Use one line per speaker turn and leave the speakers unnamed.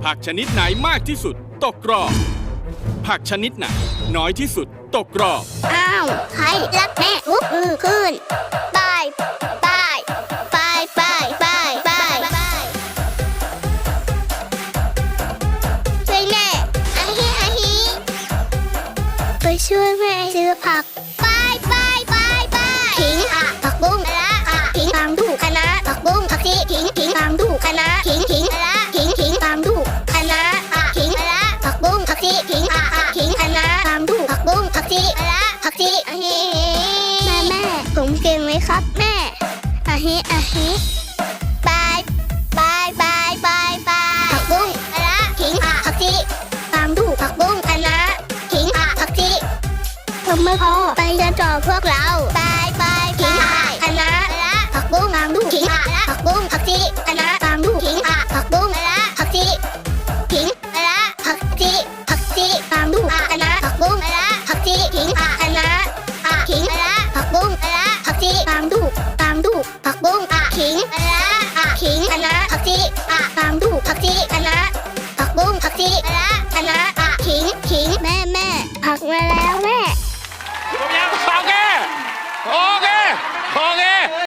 ผักชนิดไหนมากที่สุดตกรอบผักชนิดไหนน้อยที่สุดตกรอบ
อ้าวใครรักแม่ลุกมือขึ้นบายบายบายบายบายบายช่วยแม่อาฮิอาฮิไปช่วยแม่ซื้อผักบายบายบายบายขิงผักบุ้งละขิงตามดูคณะผักบุ้งผักชีขิงตามดูคณะขิงละขิงตามดูคณะขิงละผักบุ้งผักชีขิงคณะตามดูผักบุ้งผักชีละผักชีอาฮิแม่ผมเก่งไหมครับแม่อาฮิอาฮิบายบายบายบายบายผักบุ้งละขิงผักชีตามดูผักบุ้งคณะขิงผักชีผมไม่พอไปเรียนต่อพวกเราบายบายขิงคณะผักบุ้งตามดูขิงผักบุ้งผักชีคณะตามดูขิงผักบุ้งผักชีขิงผักชีตามดูคณะผักบุ้งผักชีขิงคณะขิงผักบุ้งผักชีตามดูผักบุ้งขิงคณะผักชีตามดูผักชีคณะผักบุ้งผักชีคณะขิงแม่ผักมาแล้วแม่
โอเค โอเค โอเค